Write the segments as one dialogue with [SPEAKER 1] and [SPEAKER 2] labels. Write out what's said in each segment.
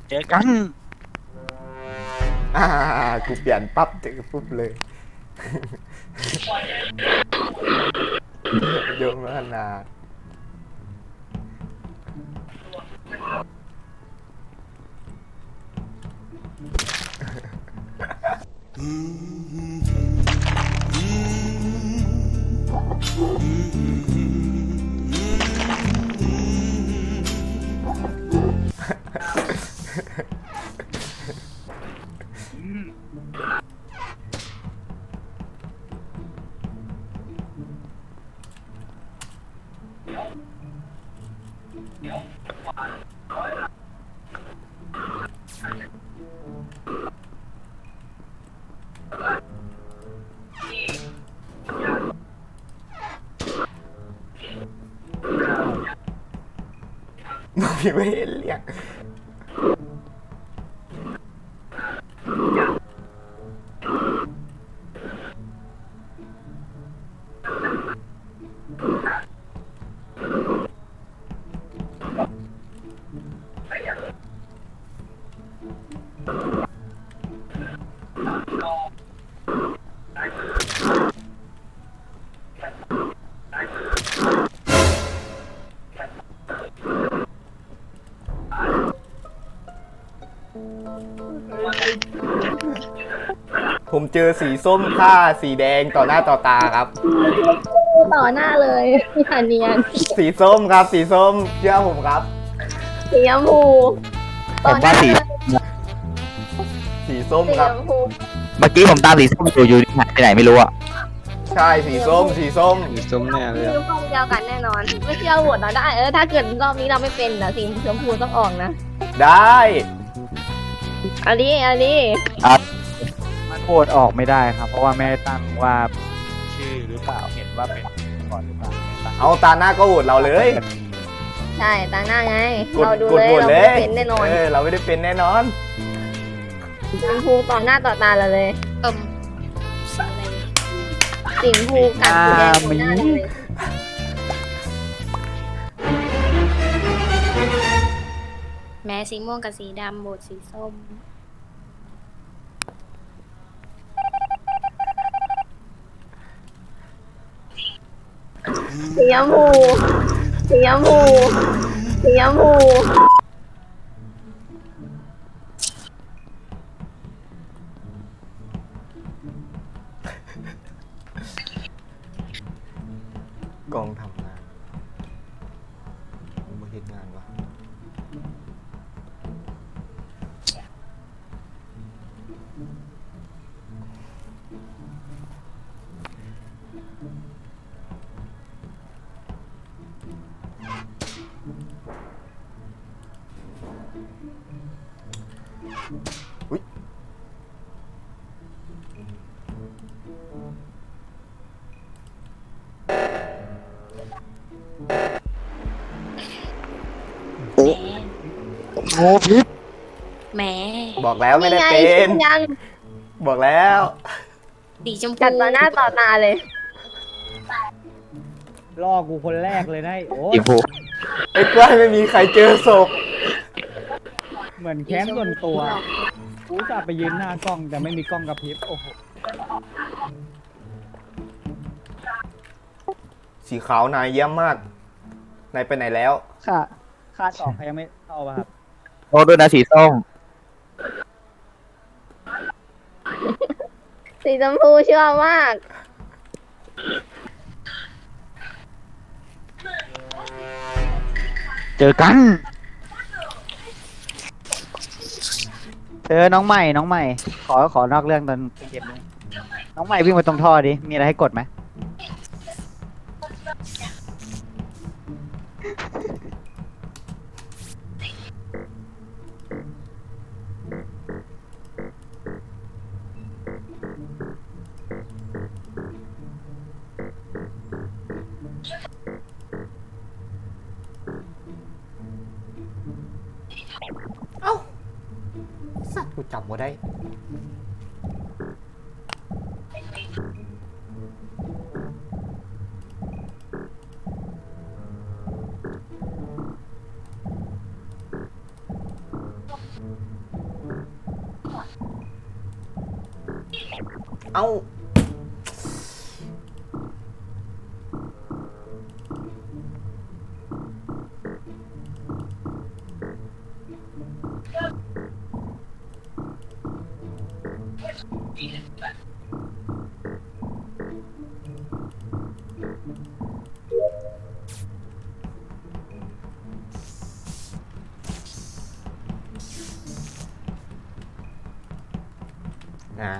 [SPEAKER 1] เจอกัน
[SPEAKER 2] อ่ากูเปลี่ยนปั๊บเจอปุ๊บเลยเยอะมากนาพี่ไม่เห็นเรียกผมเจอสีส้มฆ่าสีแดงต่อหน้าต่อตาครับ
[SPEAKER 3] ต่อหน้าเลยอย่าเนียน
[SPEAKER 2] สีส้มครับสีส้มเชื่อผมครับ
[SPEAKER 3] สีชมพู
[SPEAKER 1] ผมว่าสี
[SPEAKER 2] สีส้ม
[SPEAKER 3] สี
[SPEAKER 2] ครั
[SPEAKER 3] ช
[SPEAKER 2] บ
[SPEAKER 3] มพู
[SPEAKER 1] เมื่อกี้ผมตามสีส้มอยู่หายไปไหนไม่รู้อะ
[SPEAKER 2] ใช่สีส้มสีส้ม
[SPEAKER 4] สีส้มแน่เลย
[SPEAKER 3] สีชมพูเดียวกันแน่นอน ไม่เชื่อโหวตเราได้ถ้าเกิดรอบนี้เราไม่เป็นนะสีชมพูต้องออกนะ
[SPEAKER 2] ได้
[SPEAKER 3] อันนี้
[SPEAKER 5] มันโหวตออกไม่ได้ครับ เพราะว่าไม่ได้ตั้งว่าชื่อหรือเปล่าเห็นว่าเป็นก่อนหรือเปล่าไม่ตั้ง
[SPEAKER 2] เอาตาหน้าก็โหวตเราเลย
[SPEAKER 3] ใช่ตาหน้าไง
[SPEAKER 2] กด
[SPEAKER 3] เราดู
[SPEAKER 2] กด
[SPEAKER 3] เลย
[SPEAKER 2] โหวต
[SPEAKER 3] เรา
[SPEAKER 2] เล
[SPEAKER 3] ไม่
[SPEAKER 2] ย
[SPEAKER 3] เป็นแน่นอน
[SPEAKER 2] เราไม่ได้เป็นแน่นอน
[SPEAKER 3] สีชมพูต่อหน้าต่อตาเราเลย
[SPEAKER 6] สีอะไร
[SPEAKER 3] สีชมพูกับสีแดงต่อหน้าเราเลย
[SPEAKER 6] แม้สีม่วงกับสีดำโบดสีส้ม
[SPEAKER 3] สีชมพูสีชมพูสีชมพู
[SPEAKER 2] กองทำงานมาเห็นงานวะอุ๊ย
[SPEAKER 1] โอ้พิษ
[SPEAKER 6] แม้
[SPEAKER 2] บอกแล้วไม่ได้เป็น
[SPEAKER 3] นี่ไงยัง
[SPEAKER 2] บอกแล้ว
[SPEAKER 6] สีชมพู
[SPEAKER 3] กัดต่อหน้าต่อตาเลย
[SPEAKER 5] ล่อกูคนแรกเลยนะโอ้
[SPEAKER 1] สีชมพู
[SPEAKER 2] ไอ้กล้วยไม่มีใครเจอศพ
[SPEAKER 5] เหมือนแค้นส่วนตัวกูจะไปยืนหน้ากล้องแต่ไม่มีกล้องกระพริบโอ้โห
[SPEAKER 2] สีขาวนายเยี่ยมมาก นายไปไหนแล้ว
[SPEAKER 5] ค่าออกยังไม่เข้าป่ะครับ
[SPEAKER 1] โทษด้วยนะสีส้ม
[SPEAKER 3] สีชมพูเชื่อมาก
[SPEAKER 1] เจอกัน
[SPEAKER 5] น้องใหม่ขอนอกเรื่องตอนเกมนี้น้องใหม่วิ่งไปตรงท่อดิมีอะไรให้กดไหม
[SPEAKER 2] สัตว์กูจับมาได้เอ้าอ่า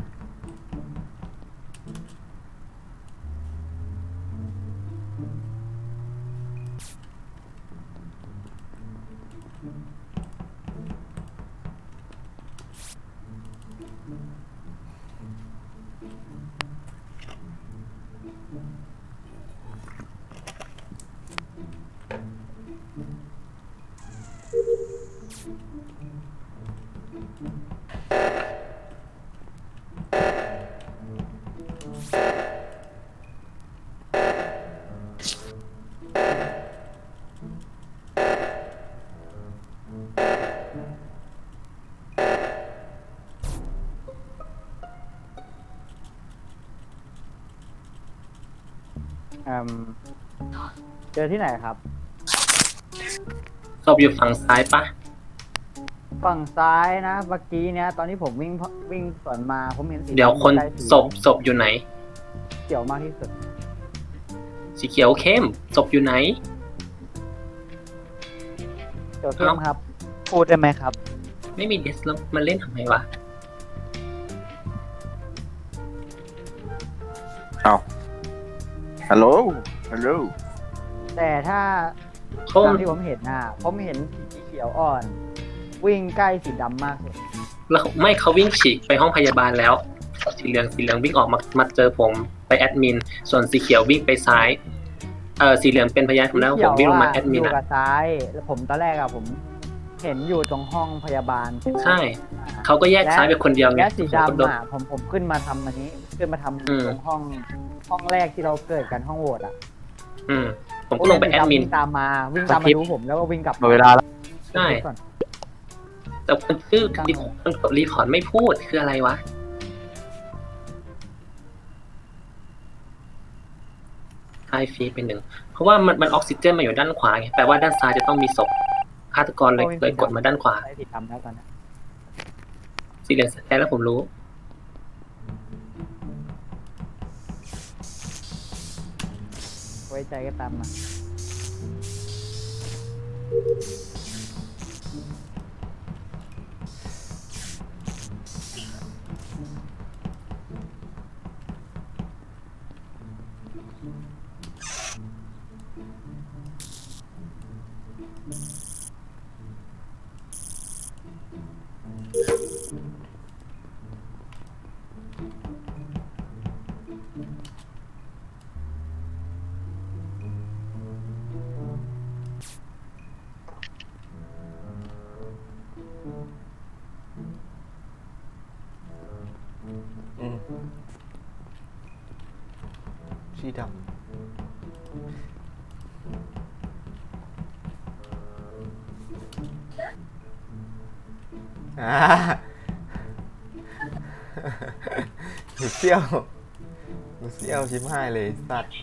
[SPEAKER 5] เจอที่ไหนครับ
[SPEAKER 4] ศพอยู่ฝั่งซ้ายปะ
[SPEAKER 5] ฝั่งซ้ายนะเมื่อกี้เนี้ยตอนที่ผมวิ่งสวนมาผมเห็นสี
[SPEAKER 4] เดี๋ยวคน
[SPEAKER 5] ใกล้สี
[SPEAKER 4] ศพอยู่ไหน
[SPEAKER 5] เขียวมากที่สุด
[SPEAKER 4] สีเขียวเข้มศพอยู่ไหน
[SPEAKER 5] เขียวเข้มครับ พูดได้ไหมครับ
[SPEAKER 4] ไม่มีเดสแล้วมันเล่นทำไมวะ
[SPEAKER 1] ฮัลโหลฮัลโหล
[SPEAKER 5] แต่ถ้า
[SPEAKER 4] เขา
[SPEAKER 5] ตามที่ผมเห็นนะผมเห็นสีเขียวอ่อน วิ่งใกล้สีดำมากสุด
[SPEAKER 4] แล้วไม่เขาวิ่งฉีกไปห้องพยาบาลแล้ว สีเหลืองวิ่งออกมาเจอผมไปแอดมิน ส่วนสีเขียววิ่งไปซ้าย สีเหลืองเป็นพยานผมแล้วผมวิ่งลงมาแอดมิน
[SPEAKER 5] อยู่
[SPEAKER 4] อะ
[SPEAKER 5] กับซ้ายแล้วผมตอนแรกอะผมเห็นอยู่ตรงห้องพยาบาล
[SPEAKER 4] ใช่ เขาก็แยกซ้ายไปคนเดียวไง
[SPEAKER 5] และสี
[SPEAKER 4] ผมก็โด
[SPEAKER 5] ดำ
[SPEAKER 4] น
[SPEAKER 5] อะผมขึ้นมาทำอันนี้ขึ้นมาทำ
[SPEAKER 4] อืม
[SPEAKER 5] ตรงห้องแรกที่เราเกิดกันห้องโหวตอะ
[SPEAKER 4] ผมก็ลงไปแอดมิน
[SPEAKER 5] วิ่งตามมาดูผมแล้วก็วิ่งกลับ
[SPEAKER 1] หมดเวลาแล้ว
[SPEAKER 4] ใช่ แต่คนชื่อคนกดรีพอร์ตไม่พูดคืออะไรวะไฮฟีเป็นหนึ่ง เพราะว่ามันออกซิเจนมาอยู่ด้านขวาไงแปลว่าด้านซ้ายจะต้องมีศพฆาตกรเลยกดมาด้านขวา
[SPEAKER 5] ใช้สีดำแล้วตอนนี้
[SPEAKER 4] สีเหลืองสแกนแล้วผมรู้
[SPEAKER 5] ไว้ใจก็ตามมา
[SPEAKER 2] อืมสีดำหนูเซี่ยวชิบหายเลยสัตว์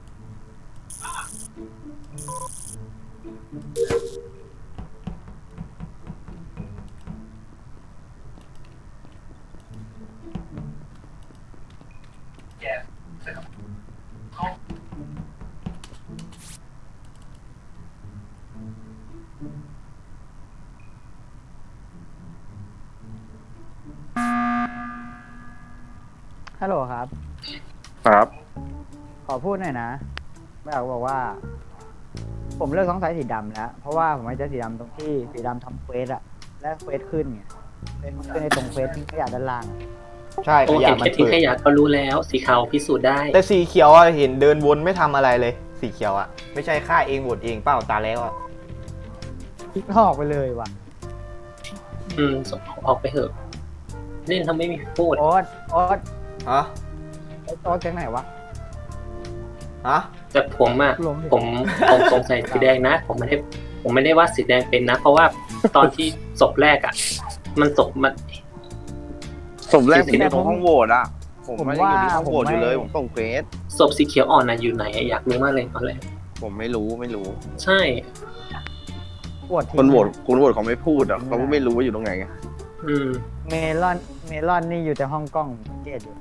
[SPEAKER 5] ฮัลโหลครับ
[SPEAKER 1] ครับ
[SPEAKER 5] ขอพูดหน่อยนะไม่อยากบอกว่า ผมเลิกสงสัยสีดำแล้ว เพราะว่าผมไม่เจอสีดำตรงที่สีดำทำเควสอะและเควสขึ้นไงเควสมันขึ้นในตรงเควสที่ขยะด้านล่าง
[SPEAKER 2] ใช่
[SPEAKER 4] โอ
[SPEAKER 2] ข
[SPEAKER 4] เค
[SPEAKER 2] ยะมัน
[SPEAKER 4] แค่ทิ้ง
[SPEAKER 2] เปิด
[SPEAKER 4] ขยะก็รู้แล้ว สีขาวพิสูจน์ได้
[SPEAKER 2] แต่สีเขียวอะเห็นเดินวนไม่ทำอะไรเลย สีเขียวอะไม่ใช่ฆ่าเองโหวตเองเปล่าตาแล้วอะ
[SPEAKER 5] ออกไปเลยว่ะ
[SPEAKER 4] ส่งออกไปเถอะ เล่นทำไม่มีพูด
[SPEAKER 5] โอ๊ต
[SPEAKER 2] ฮะ
[SPEAKER 5] โอ๊ตจากไหนวะ
[SPEAKER 2] ฮะ
[SPEAKER 4] แต่ผมอะ
[SPEAKER 5] ล้มดิ
[SPEAKER 4] ผมสงสัยสีแดงนะ ผมไม่ได้ว่าสีแดงเป็นนะ เพราะว่าตอนที่ศพแรกอะมันศพมัน
[SPEAKER 1] สมแรกผมอยู่ตรงห้องโหวตอะ
[SPEAKER 7] ผมไม่ได้อยู่ที่ห้องโหวตอยู่เลย ผมส่งเควส
[SPEAKER 4] ศพสีเขียวอ่อนน่ะอยู่ไหนอยากรู้มากเลยตอนแรก
[SPEAKER 7] ผมไม่รู้
[SPEAKER 4] ใช่
[SPEAKER 5] ปวดที
[SPEAKER 7] คนโหวตเขาไม่พูดอ่ะเขาไม่รู้ว่าอยู่ตรงไหนไง
[SPEAKER 4] อืม
[SPEAKER 5] เมลอนนี่อยู่แต่ห้องกล้องสังเกตอยู่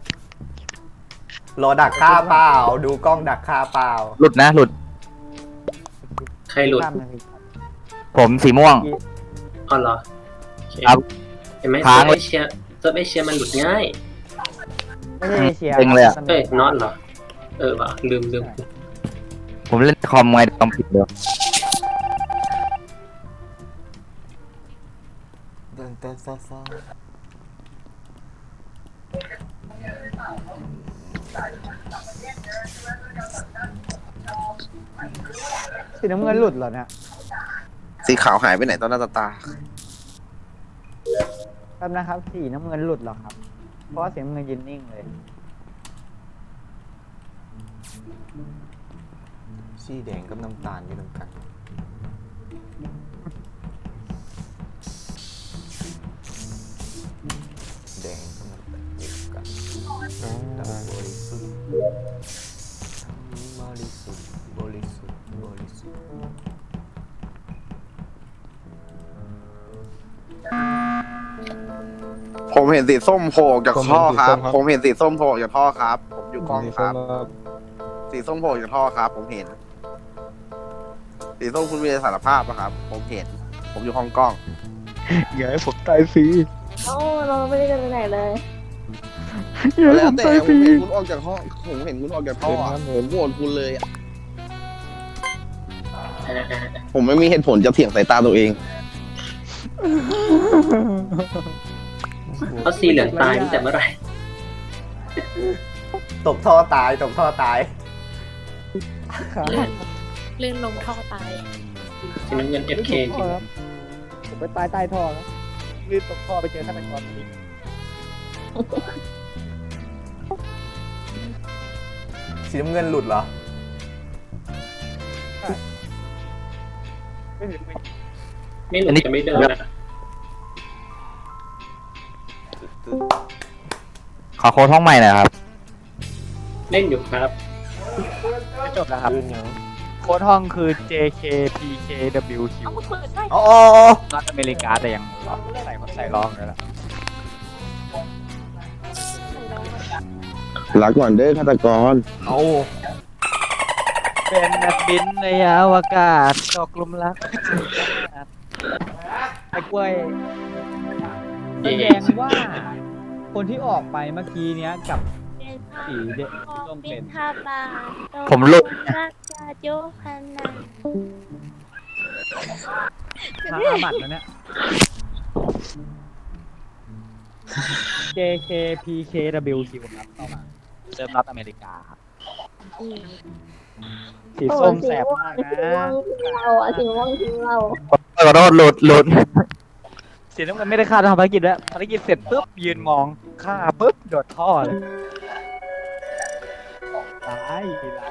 [SPEAKER 2] รอดักฆ่าเปล่า ดูกล้องดักฆ่าเปล่า
[SPEAKER 8] หลุดนะหลุด
[SPEAKER 4] ใครหลุด
[SPEAKER 8] ผมสีม่วง
[SPEAKER 4] อ๋อเหรอโอเค
[SPEAKER 8] ครับ
[SPEAKER 4] เห็นไหม
[SPEAKER 8] ค้าง
[SPEAKER 4] เซิร์ฟเอเชียมันหลุดง่าย
[SPEAKER 5] ไม่ใช่เอเชีย
[SPEAKER 8] เต็งเลยอะ
[SPEAKER 4] เอ้ยน็อตเหรอ ว่ะลืม
[SPEAKER 8] ผมเล่นคอมไงต้องผิดเดียว
[SPEAKER 2] เดินเต้นซ่า
[SPEAKER 5] สีน้ำเงินหลุดเหรอเนี่ย
[SPEAKER 7] สีขาวหายไปไหนตอนหน้าตา
[SPEAKER 5] แป๊บนะครับสีน้ำเงินหลุดเหรอครับ เพราะว่าสีน้ำเงินยืนนิ่งเลย
[SPEAKER 2] สีแดงกับน้ำตาลอยู่ตรงกันแดงกับน้ำตาลอยู่กันดำบริสุทธิ์บริสุทธิ์บริสุทธิ์บริสุทธิ์
[SPEAKER 7] ผมเห็นสีส้มโผล่ออกจากท่อครับ ผมเห็นสีส้มโผล่ออกจากท่อครับ ผมอยู่กล้องครับ สีส้มโผล่ออกจากท่อครับ ผมเห็น สีส้มคุณมีสารภาพปะครับ ผมเห็น ผมอยู่ห้องกล้อง
[SPEAKER 8] อย่าให้ผมตายฟรี
[SPEAKER 3] โอ้เราไม่ได้กันไปไหนเลย
[SPEAKER 7] แล้วแต่ผมเห็นคุณออกจากห้องผมเห็นคุณออกจากท่ออะผมโหวตคุณเลยอะผมไม่มีเหตุผลจะเถียงสายตาตัวเอง
[SPEAKER 4] เพราะสีเหลืองตายตั้งแต่เมื่อไหร่
[SPEAKER 2] ตกท่อตายตกท่อตาย
[SPEAKER 6] ลื่นลงท่อตาย
[SPEAKER 4] สีน้ำเงิน FK จริง
[SPEAKER 5] ผมไปตายใต้ท่อแล้วลื่นตกท่อไปเจอท่านเป็นกรนี้
[SPEAKER 2] สีน้ำเงินหลุดเหรอ
[SPEAKER 4] ไม่หลุดจะไม่เดินอะ
[SPEAKER 8] ขอโค้ดห้องใหม่หน่อยครับ
[SPEAKER 4] เล่นอยู่ครับ
[SPEAKER 5] จบแล้วครับ
[SPEAKER 2] ลื่นยัง
[SPEAKER 5] โค้ดห้องคือ JKPKWQ
[SPEAKER 2] อ๋อ
[SPEAKER 5] รัฐอเมริกาแต่ยังใส่รองเลยล่ะ
[SPEAKER 7] ลาก่อนเด้อฆาตกร
[SPEAKER 2] เอา
[SPEAKER 5] เป็นนักบินในอวกาศตกหลุมรักไอ้กล้วยแสดงว่า คนที่ออกไปเมื่อกี้เนี้ยกับสีเด็กส้มเป็น
[SPEAKER 8] ผมหลุด
[SPEAKER 6] รักจาโยฮันนา
[SPEAKER 5] พาอาบัตแล้วเนี่ย JKPKWQ ครับเข้ามาเซิร์ฟรัฐอเมริกาครับสีส้มแสบมากนะ
[SPEAKER 3] เราอะสีม่วงทิ้งเรา
[SPEAKER 8] ขอโทษหลุด
[SPEAKER 5] สีน้ำเงินไม่ได้ฆ่าทำภารกิจแล้วภารกิจเสร็จปุ๊บยืนมองฆ่าปุ๊บโดดท่อเลยตาย